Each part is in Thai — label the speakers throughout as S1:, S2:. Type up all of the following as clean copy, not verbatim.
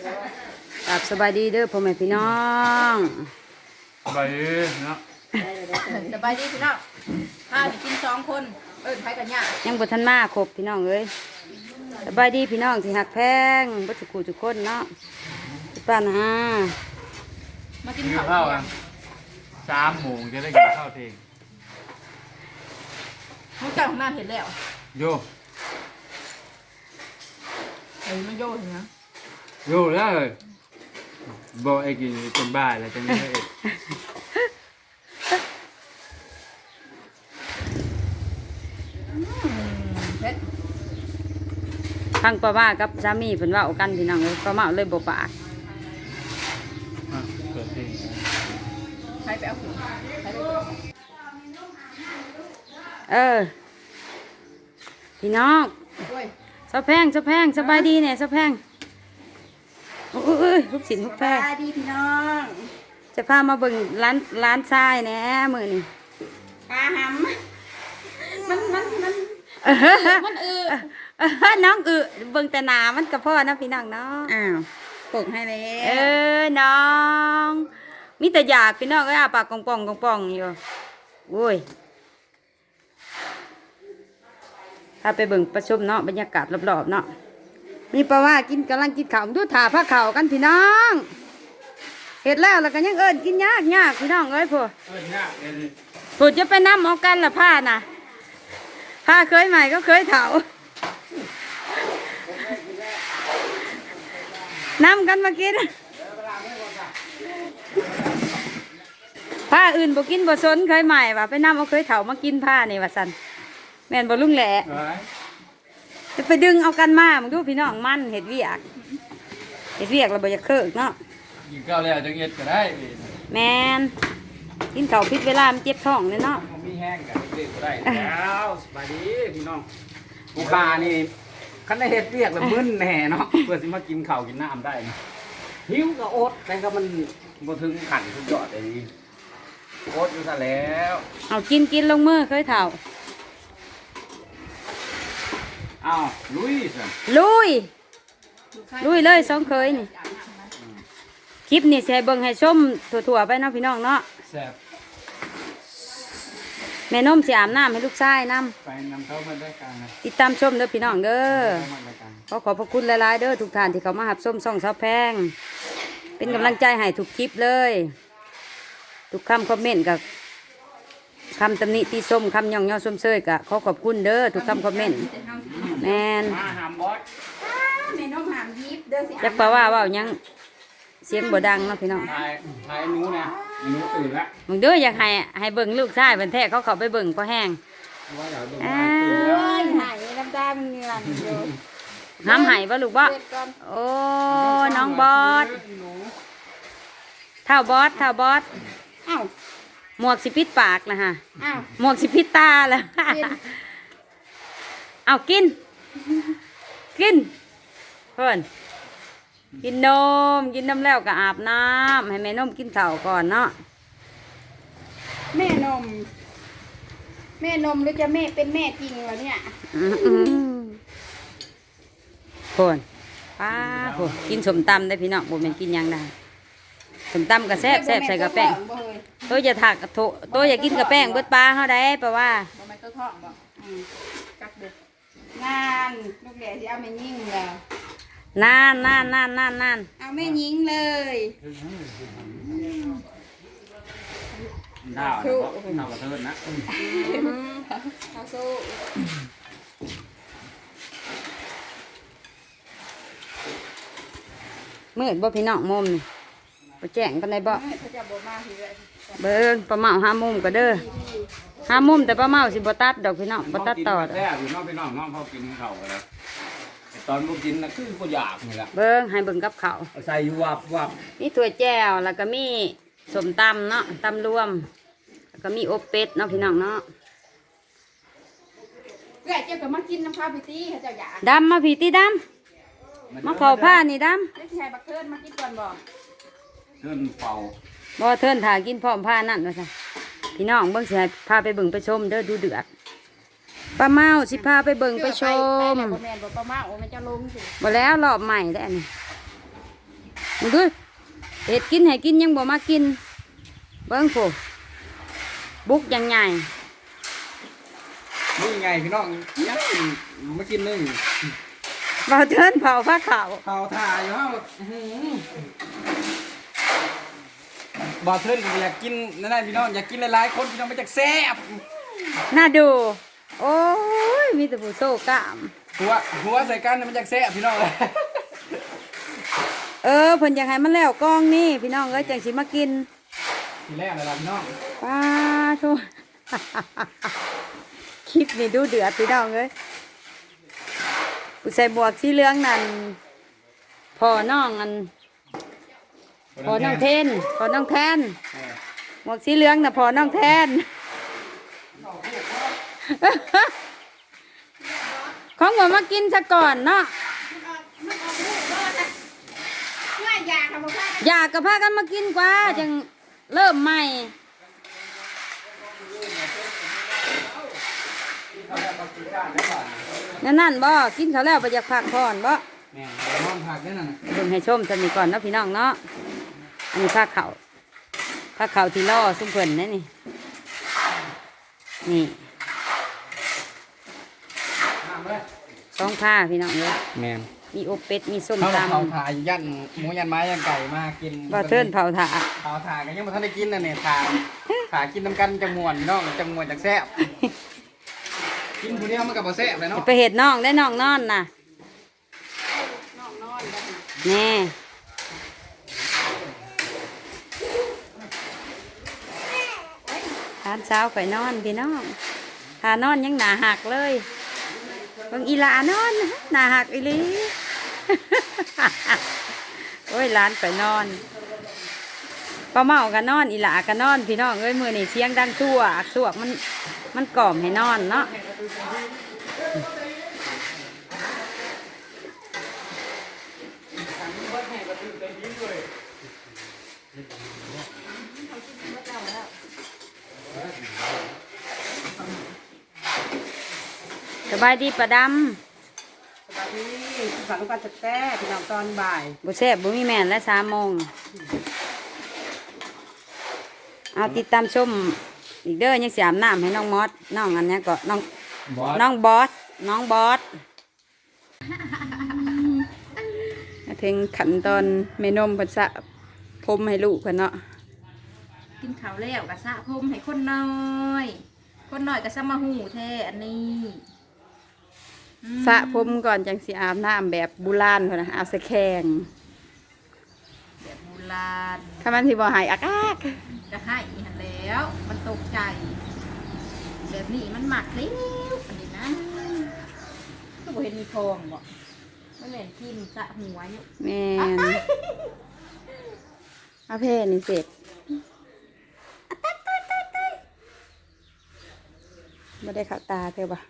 S1: ครับสบายดีเด้อพ่อแม่พี่น้อง
S2: ไปเนาะ
S3: สบายดีพี่น้องข้าวกิน2 คนไผกันยาก
S1: ยังบ่ทันมาครบพี่น้องเอ้ยสบายดีพี่น้องที่หักแพงบ่ทุกคู่ทุกคนเนาะป้านะ
S3: มากิน
S2: กิน
S3: ข้าว
S2: ข้าว
S3: เที่ย
S2: อ่ะ
S3: ง
S2: 3 โมงจะได้กินข้าวเที่ยง
S3: มุกเจ้าของน้าเห็นแล้ว
S2: โย
S3: มันโยเห็นนะ
S2: โยแล้วเลยบอกไอ้กินเป็นบ้าอะไรจังเลย
S3: เผ็ด
S1: ฟังป้าว่ากับสามีเพิ่นเว้ากันพี่น้องเอ้ยป้าเมาเลยบ่ปาก
S2: เปิดเพลง
S3: ใครไปเอาของใครไปเอาของ
S1: พี่น้อง
S3: ด้วย
S1: สะแพงสบายดีเนี่ยสะแพงโอ้ยลูกศิลป์ลูก
S3: ส
S1: แพร
S3: บายดีพี่น้อง
S1: จะพามาเบิ่งร้านทรายแหน่มื้อนี้
S3: ปลาหำมัน
S1: น้องเบิ่งแต่หนามันก็พอนะพี่น้องเนาะ
S3: อ้าวปลูกให้แล้
S1: น้องมีแต่อยากพี่น้องก็อาปากกองป่องอยู่โอ้ยพาไปเบิ่งประชุมเนาะบรรยากาศรอบๆเนาะมีปลาว่ากำลังกินข้าวดูถ่าผ้าข้าวกันพี่น้องเห็ดแล้วก็ยังเอิ้นกินยากพี่น้องเอ้ยพวก
S2: เนี่ยเดี๋ยวนี้
S1: ผู้จะไปน้ำเอากันละผ้าน่ะผ้าเคยใหม่ก็เคยเถาน้ำกันมากินผ้าอื่นบ่กินบ่สนเคยใหม่ว่ะไปน้ำเอาเคยเถามากินผ้านี่ว่าสันแม่นบ่ลุงแหละ
S2: เอ้ย
S1: จะไปดึงเอากันมามึงดูพี่น้องมันเห็ดเวียกเราบ่อยากเคิกเนาะ
S2: กินข้าวแล้วจังเอ็ดก็ได้
S1: แมนกินข้าวผิดเวลามันเจ็บท้องเลยเนาะ
S2: ผมมีแห้งกันเด็กก็ได้แล้วสบายดีพี่น้องกูคานี่คันได้เฮ็ดเรียกแล้วมึนแน่เนาะเพื่อสิมากินข้าวกินน้ำได้นะหิวก็อดแต่ก็มันบ่ถึงขั้นสุดยอดเลยอดอยู่ซะแล้ว
S1: เอากินลงมือเคยเถา
S2: อ้าวลุยสิ
S1: ลุยเลยสองเคยนี่คลิปนี่แชร์เบิ่งให้ชมถั่วๆไปเนาะพี่น้องเนาะ
S2: แซ่บ
S1: แม่นมสิอาบน้ำให้ลูกชายน้
S2: ไปนำเข้ามาได้กันนะ
S1: ำติดตามชมเด้อพี่น้องเด้อ
S2: เข้ามาได้กัน
S1: ขอบพระคุณหลายๆเด้อทุกท่านที่เขามาหับส้มซ่องซาวแพงเป็นกำลังใจให้ทุกคลิปเลยทุกคำคอมเมนต์กับคำตำหนิตีส้มคำย่องย่อส้มเซยกับขอบคุณเด้อทุกคำคอมเมนต์แมน
S2: มาหามบอส
S3: แม่น้องหามยิบเด้อสิ
S1: จักป่าว่ายังเสียงบ่ดังเนาะพี่น้อง
S2: ถ่ายหนูนะหนูตื่นละ
S1: มึงเด้ออยากให้เบิ่งลูกชายเป็นแท้เขาไปเบิ่งพอแห้ง
S2: ว่าเดี๋ยวดู
S1: อ้า
S2: มาตื่นแล้ว
S3: โอ้ยหายน้ำตามันเงือนอยู่
S1: ห้ำไห้บ่ลูกบ่
S3: เผ็ดก่อน
S1: โอ้น้องบอสเท่าบอส
S3: อ้าว
S1: หมวกสิปิดปากนะฮะ
S3: อ้าว
S1: หมวกสิปิดตาแล้ว
S3: กิน
S1: เอากินเพื่อนกินนมแล้วก็อาบน้ำให้แม่นมกินข้าวก่อนเนาะ
S3: แม่นมหรือจะแม่เป็นแม่จริงวะเนี่ย
S1: เพื่อนป้าโหกินสมตำได้พี่น้องบ่แม่นกินหยังได้สมตำก็แซ่บใส่กระแป้ง
S3: บ่เฮ้ย
S1: ตัวอย่าถักกระโถตัวอย่ากินกระแป้งเบิดปลาเฮาได้เพราะว่า
S3: บ่แม่นตัวท้องบ่กักเด็กงานลูกแหล่สิเอาแม่ยิงแล้ว
S1: นาน
S3: เอาแม่ยิงเลย
S2: ดาวนะดาวกระเทินนะ
S3: เอาสู้
S1: มืดบ่พี่น้องมุมนี่บ่แจ้งปานใดบ่
S3: เขาจะบ่มาทีเลย
S1: เบิ่งปลาเมา5 มุมก็เด้อ5 มุมแต่ปลาเมาสิบ่ตัดดอกพี่น้องบ่ตัดต่อดอก
S2: แซ่บอยู่น้องพี่น้องน้องเขากินข้าวกันแล้วตอนบุกกินนะคือก็อยากนี่แหละ
S1: เบิ่งให้เบิ่งกับข้าว
S2: ใส่วับ
S1: มีถั่วแจ่วแล้วก็มีสมตำเนาะตำรวมแล้วก็มีอบเป็ดเนาะพี่น้องเนาะ
S3: เพื่อเจ้าก็มากินน้ำข้าวพิตี้เขาเจ้าอยาก
S1: ดำมาผีตีดำมาเข้าผ้านี่ด
S3: ได้ที่ให้บักเทินมากินก่อนบ่
S2: เทินเป่า
S1: ำบ่เทินถ่ากินพร้อมผ้านั่นว่าซั่นพี่น้องเบิ่งสิให้พาไปเบิ่งไปชมเด้อดูเดือดป้าเมาสิพาไปเบิ่งไปชม
S3: ไปแล้วบ่แม่นบ่ประมาณโอ้แม่นจะลงสิ
S1: บ่แล้วรอบใหม่ได้ออันนี้มึงดูเห็ดกินให้กินยังบ่มากินเบิ้งโผบุกยังไง
S2: นี่ไงพี่น้องยังมากินนึ่ง
S1: บ่าวเทินเผาผ้าขาว
S2: เผาถ่ายอยู่ฮะบ่เทินก็อยากกินนั่นแหละพี่น้องอยากกินหลายๆคนพี่น้องไม่จากแซ่บ
S1: น่าดู โอ้ยมีแต่ผู้โซ่กล้าม
S2: หัวใส่กันมันจากแซ่บพี่น้องเลย
S1: เพิ่นอยากให้มันแล้วกล้องนี่พี่น้องเอ้ยจังสิมากิน
S2: ทีแรกเลยล่ะพี่น้อง
S1: ป้าโทษ คลิปนี่ดูเดือดพี่น้องเอ้ยผู้ใส่บวกสีเหลืองนั่นพอน้องอันพอน้องเทนพอน้องแทนหมวกสีเหลืองน่ะพอน้องแทน ของผมมากินซะก่อนเนาะ
S3: มันออกลูกบ่นะง่ายยากค่ะบ่พากัน
S1: อยากกับพากันมากินกว่าจังเริ่มใหม่นั่นบ่กินเขาวแล้วไปอยากพักผ่อนบ่
S2: แม่น้องผักนี่น่ะ
S1: เบิ่งให้ชมสนิทก่อนเนาะพี่น้องเนาะอันนี้ผ้าเขาวที่ล่อซุ้มเพิ่นนะนี่นี่
S2: น้ำเลย
S1: สองผ้าพี่น้องเลย
S2: แม่น
S1: มีอบเป็ดมีส้ม
S2: เขา
S1: ต
S2: เผาถ่ายยันหมูยันไม้ยันไก่มากิน
S1: ำบ่เทินเผาถ่า
S2: เผาถ่ายกันยังไม่ทันได้กินน่ะเนี่ยถ่ายกินน้ำกันจังมวนพี่น้องจังมวนจากแซ่บกินผู้เดียวมันกับบ่แซ่บเลยเนาะ
S1: ไปเห็ดน้องได้น้องนอนน่ะ
S3: น้องนอนแล้ว
S1: แน่ทานเช้าข่อยนอนพี่น้องทานอนยังหนาหักเลยเบิ่งอีหลานอนหนาหักอีหลี โอ้ยหลานข่อยนอนป้าเมากันนอนอีหลากันนอนพี่น้องเอ้ยมือนี่เสียงดังชั่วสวกมันกล่อมให้นอนเนาะสบายดีประด
S3: สวัสดีฝันลูกกันจะแต้พี่น้องตอนบ่าย
S1: ำบุเซ่บบุมีแม่นและ3 โมงเอาติดตามชมอีกเด้อยังเสียมน้ำให้น้องมอสน้องอันเนี้ยก็น้อง
S2: บอส
S1: น้องบอสน้องบอสมาถึงขั้นตอนเมนมเพิ่นสระผมให้ลูกเพิ่นเนาะ
S3: กินข้าวแล้วก็สระผมให้คนน้อยคนน้อยก็สมาหูแท้อันนี้อืม
S1: สระผมก่อนจังสิอาบน้ำแบบโบราณพุ่นนะอาบใส่แข็ง
S3: แบบโบราณ
S1: ถ้ามันสิบ่หายอักอัก
S3: จะให้อีหันแล้ว มันตกใจ แบบนี้มันหมักเล้วอันนี้นะก็บ่เห็นมีทองบ่ไม่เหม็นทิมสระหัวอยู่
S1: แม่นเอาเพนี่เสร็จบ่ได้เข้าตาเธอบ่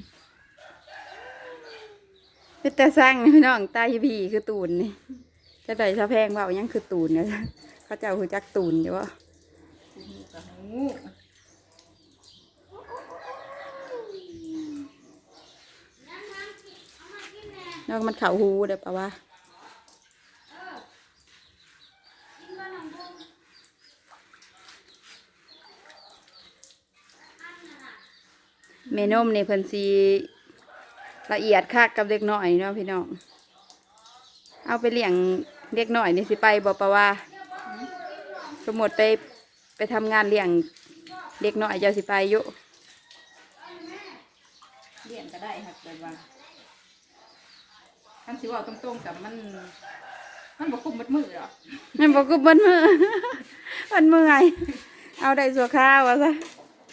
S1: เป็นแต่สร้างนี่พี่น้องตาพี่คือตูนนี่จะได้ชาแพงว่ายังคือตูนเนี่ยเขาเจ้าคือจักตูนอยู่ว่า
S3: หูกับหู
S1: แล้วมันเข่าหูเด้อปะวะเมนมนี่เพิ่นสีละเอียดคักกับเด็กน้อยเนาะพี่น้องเอาไปเลี้ยงเด็กน้อยนี่สิไปบ่ปะวะสมมติไปทำงานเลี้ยงเด็กน้อยเจ้าสิไปอยู่
S3: เลี้ยงก็ได้ครับแบบว่าคำสิว่าตรงๆกับมันบ่คุ้มมัดมือหรอก
S1: มันบอกกูบนมือ มันเมื่อยเอาได้สัวข้าววะซะ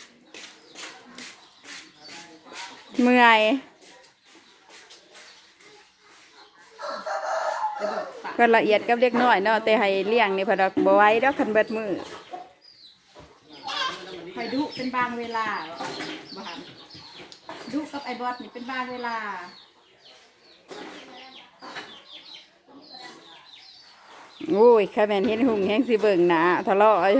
S1: เมื่อย
S3: แต่แบบปาก
S1: ก็ละเอียดกับเล็กน้อยเนาะแต่ให้เลี้ยงนี่เพอดอกบ่ไหว้ดอกคันเบิดมือ
S3: คอยดุเป็นบางเวลาหรอกบ่หันดุกับไอ้บอสนี่เป็นบางเวลา
S1: โอ้ยข้าแม่นเห็นหุ่งแห้งสิเบิ่งหนาทะเลาะอยู่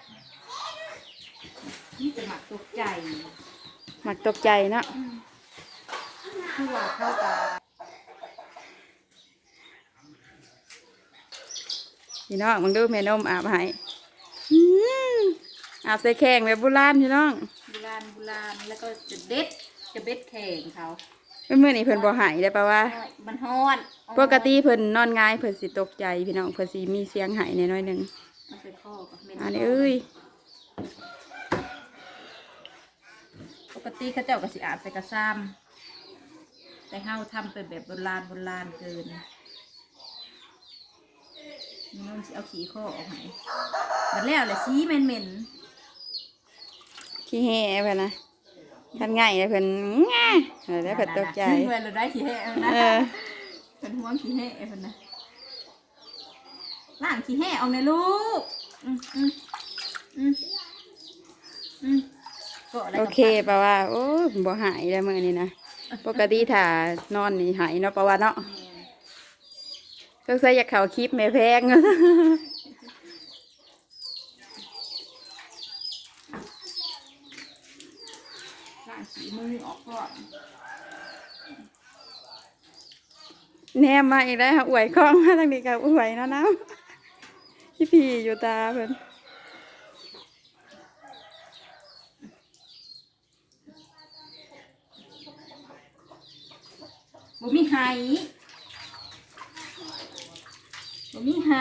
S3: นี่จะหมักตกใจ
S1: มักตกใจเนาะ
S3: คือว่าเข้าตา
S1: พี่น้องมึงดูแม่นมอาบให้อืมอาบใส่แข้งแบบโบราณพี่น้อง
S3: โบราณแล้วก็จะเบ็ดแข่งเขา
S1: เมื่อนี้เพิ่นบ่ใหายได้ปะว่า
S3: มันฮ้อน
S1: ปกติเพิ่นนอนง่ายเพิ่นสิตกใจพี่น้องเพิ่นสิมีเสียงไหายแน่น้อยหนึง
S3: มันเป็นข้อกับเม็ด
S1: อันนี้เอ้ย
S3: ปกติเขาเจ้าก็สิอาบใส่กระซ้ำแต่เฮาทำเป็นแบบโบราณเกินนี่น้องสิเอาขี้ข้อออกให้บัดแล้วแหละสีเหม็น
S1: ขี้แห่เพิ่นนะทำง่ายเลยเพิ่นง่าแล้วเพิ่นตกใจ
S3: เมื่อเราได้ขี้แห้นะ
S1: เออ
S3: เป็นห่วงขี้แห้เพิ่นนะล้างขี้แห้ออกในลูกก็อะไร
S1: โอเคปะว่าโอ้ยบ่หายแล้วมื้อนี้นะปกติถ้านอนนี่หายเนาะปะว่าเนาะก็ใส่อยากเข้าคลิปแม่แพง
S3: ล้างขี้มือออกก่อน
S1: แนมมาอีกแล้วอวยคล้องมาทางนี้ก็อวยเนาะน้ำพี่อยู่ตาเพิ่น
S3: บ่มีไหบ่มีไห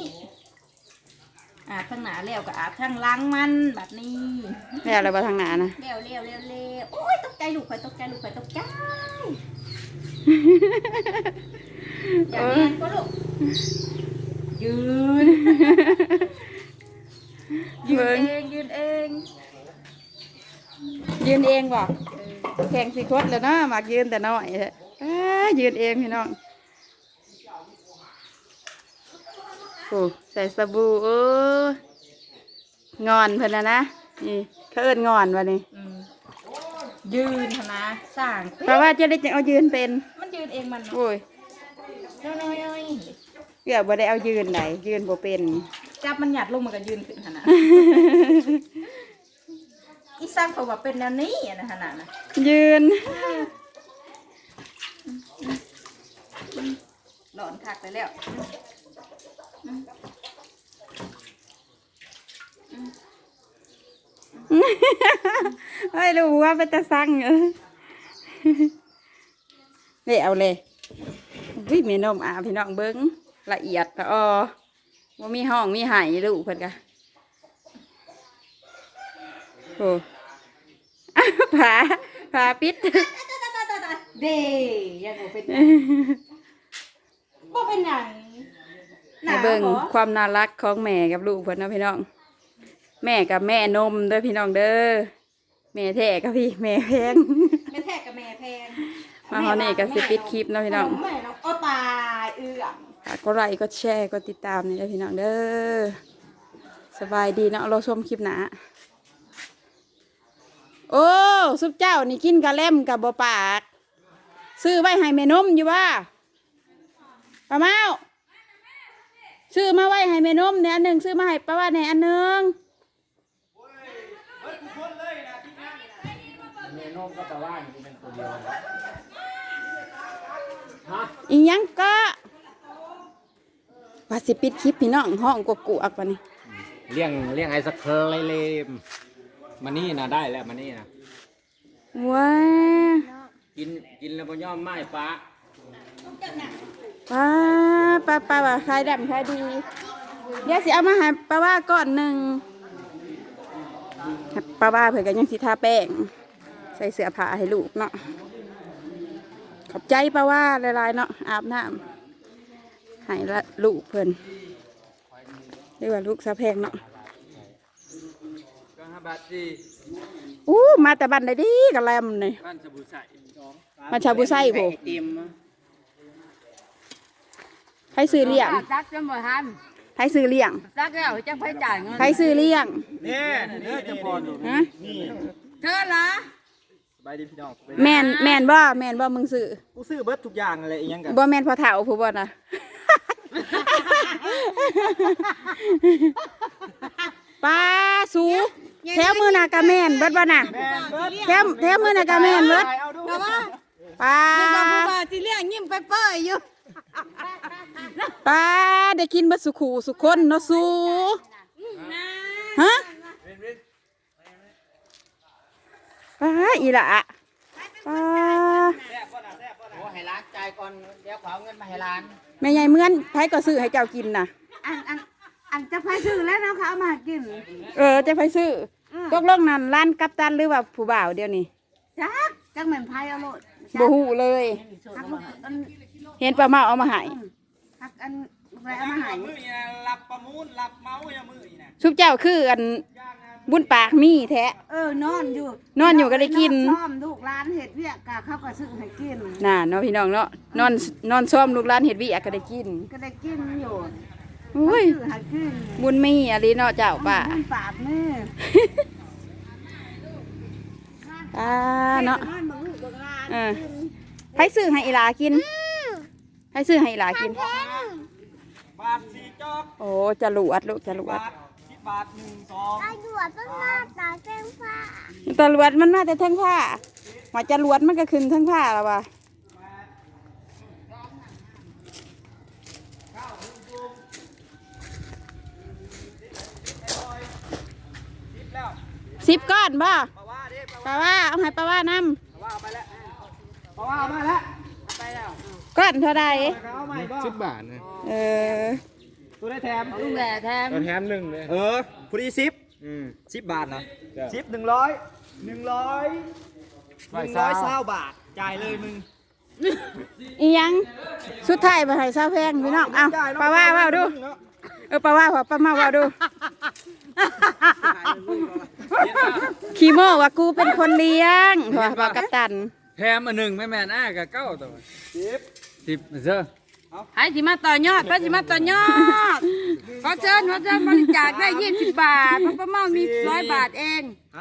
S3: อาบข้างหน้าแล้วก็อาบข้างหลังมันแบบนี้
S1: แล้วอะไรบ่ทางหน้านะ
S3: เร็วโอ้ยตกใจลูกข่อยตกใจอย่างนี้ก็ลูกยืนยืนเอง
S1: ยืนเองบ่แข่งสิคดแล้วเนาะมักยืนแต่น้อยแท้ยืนเองพี่น้องโอ้ใส่สบู่งอนเพิ่นนะนี่เขาเอิ้นงอนวะนี่
S3: ยืนเถอะนะสร้าง
S1: เพราะว่าจะได้จะเอายืนเป็น
S3: มันยืนเองมัน
S1: โอ้ย
S3: น้อย
S1: เกือบบ่ได้เอายืนไหนยืนบ่เป็น
S3: จับมันหยัดลงมันก็ยืนขึ้นขนาดอีสร้างเขาว่าเป็นแนวนี้นะขนาดนะ
S1: ยืน
S3: หลอนคักไปแล้ว
S1: เฮ้ยรู้ว่าเป็นตาสั่งนี่เอาเลยวิมีนมอาพี่น้องเบิ้งละเอียดละว่ามีห้องมีไหายลูกเพิ่นกะโอ้ ผาปิด
S3: เดยังบ่เป็นบ่เป็นหยัง
S1: ให้เบิ่งความน่ารักของแม่กับลูกเพิ่นเนาะพี่น้อง แม่กับแม่นมเด้อพี่น้องเด้อแม่แท้กับพี่แม่แพง
S3: แม่แท้กับแม่แพง
S1: มาเฮานี่ก็สิปิดคลิปเนาะพี่น้อง
S3: แม่น้องโอ้ตายม
S1: ฝากกดไลค์กดแชร์กดติดตามนี่เด้อพี่น้องเด้อสบายดีเนาะเราชมคลิปหน้าโอ้ซุปเจ้านี่กินกะเล่มกับบ่ปากซื้อไว้ให้แม่นมอยู่ว่าป้าเมาซื้อมาไว้ให้แม่นมเนี่ยอันหนึ่งซื้อมาให้ป้าว่าในอันหนึ่ง
S2: เมนูก็จะว่าอยู่เป็นตัวเดียวฮะ
S1: อีหยังก็ว่าสิปิดคลิปพี่น้องห้องกกูอักปะนี่
S2: เลี้ยงไอศครีมมานี่นะได้แล้วมานี่นะ
S1: ว้า
S2: กินแล้วบ่ยอมไม้ปลา
S1: ป้าว่าขายดำขายดีเดี๋ยวสิเอามาให้ป้าว่าก่อนหนึ่งป้าว่าเผื่อกันยังสิทาแป้งใส่เสื้อผ้าให้ลูกเนาะขอบใจป้าว่าหลายๆเนาะอาบน้ำให้ละลูกเพิ่นเรียกว่าลูกสะแพงเนาะ
S2: ก็5 บาทสิ
S1: มาแต่บันได้ดีกับแลมนี่
S2: บ้านสบู่ใส่
S1: มาชาบุไส้ผม
S2: เตรียม
S1: ให้ซื้อเลี้ยง
S4: ซักจนบ่ทัน
S1: ให้ซื้อเลี้ยง
S4: ซักแล้วจะไปจ่ายเงิน
S1: ให้ซื้อเลี้ยง
S2: เนี่ยเนื้อจะพออยู่
S1: ฮะ
S4: เธอเหรอ
S5: สบายดีพี่น้อง
S1: แม่นบ่มึงซื้อ
S5: กูซื้อเบิร์ดทุกอย่างอะไรอีกยังกัน
S1: บ่แม่นพอเฒ่าผู้บ่นะ ป้าสูแถวมือนากะแม่นเบิดบ่น่ะแถวมือนากะแม่นเบิด
S5: เอาดู
S1: ป้า
S4: ว่าสิเลี้ยงยิ้มไปเป้ยอยู่
S6: ป้าได้กินบัสุขูสุคนเนาะสูฮะป้าอีหละป้า
S2: โอ้ให้ร้านจ่ายก่อนเดี๋ยวขอเอาเงินมาให้ร้าน
S6: แม่ใหญ่เหมือนไผก็ซื้อให้เจ้ากินน่ะ
S4: อันจะไปซื้อแล้วเนาะเขาเอามากิน
S6: จะไปซื้อตกลงนั่นร้านกัปตันหรือว่าผู้บ่าวเดียวนี้
S4: จักเหมือนไพ่เอาโลด
S6: บ่ฮู้เลย
S4: หักลูกอัน
S6: เห็นป้าเมาเอามาให้
S4: หักอันอะไรเอามาใหาย
S5: มือนี่นะรับประมูลรับเมาส์อย่ามือนี่นะ
S6: ชุบเจ้าคืออันบุญปากมีแท้
S4: นอนอยู่
S6: นอนอยู่ก็ได้กิน
S4: ซ้อมลูกร้านเห็ดเวียกกะเขาก็ซื้อให้กิน
S6: น่ะเนาะพี่น้องเนาะนอนซ้อมลูกหลานเฮ็ดวิก็ได้กิน
S4: ก็ได้กินอยู่
S6: อุ้ย
S4: ซื้อให้กิน
S6: บุญมีอะไรเนาะเจ้าป้า
S4: บุญปากมือ
S6: เนาะ
S4: นอนบังลูกบังหลาน
S6: เออไผซื้อให้อีหลากินไผซื้อให้อีหลากิน
S5: บาทสี่จอก
S6: โอ้จรวดลูกจรวด
S5: บาท10 บาท1 2
S6: ตำรวจมันมาแต่เทิงผ้าว่าจรวดมันก็ขึ้นเทิงผ้าแล้วว่ะ10 ก้อนบ่
S5: ปะว่าเด้ปะ
S6: ป้าว่าเอาให้ป้าว่าน
S5: ว่าเอาไปแล้วปะว่าเอามาแล้ว
S6: ำก้อนเท่าใด
S5: เอาใหม่บ่
S2: 10 บาทนะ
S6: เออ
S5: ตัวได้แถม
S4: ลุงแหล่แทม
S2: แถม1เลย
S5: พอดี10 บาทนะ10 100 บาทจ่ายเลยมึง
S6: อีหยังสุดท้ายมาให้ซาวแพงพี่น้องเอาป้าว่าเว้าดูป้าว่าป้ามาเว้าดูขี้โม่ว่ากูเป็นคนเลี้ยงว่าบอกกัปตัน
S2: แถมอันหนึ่งไม่แม่นกับเก้าตัว10เด้อ
S4: ให้สิมาต่อยอดพระสิมาต่อยอดขอเชิญบริจาคได้20 บาทเพราะป้าเมามี100 บาทเอง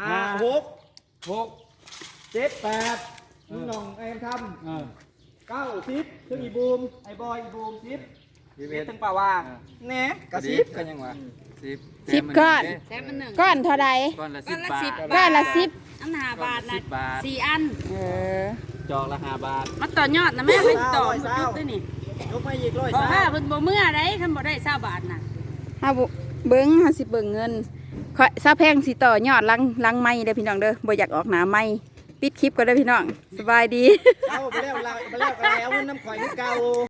S5: 6 7 8น้องไอ้ทำ9 10ถึงอีบูมไอ้บอยอีบูม10ถึงป่าว่าแหน่กระซิบกันยังวะ
S6: 10 ก้อน
S4: แถมมันหนึ่ง
S6: ก้อนเท่าใด
S2: ก้อนละ
S4: ก้อนละ
S2: 10 บาท
S6: ก้อนละ10
S4: อัน5 บาทนะ
S2: 10 บาท
S4: 4 อัน
S6: เออ
S2: จอกละ5 บาท
S4: มาต่อยอดนะแม่ไปต่อหมดจุดด้วยนี่
S5: ยกมาอีกร้อย
S4: บอกว่าเพิ่นบ่เมื่อได้คันบ่ได้20 บาทน่ะ
S6: เฮาเบิ่งเฮาสิเบิ่งเงินข้อยซาวแพงสิต่อยอดลังไม้เด้อพี่น้องเด้อบ่อยากออกหน้าไม้ปิดคลิปก็ได้อพี่น้องสบายดี
S5: เอาไปแล้วก็แล้วเอาเงินน้ำข่อยที่เก่า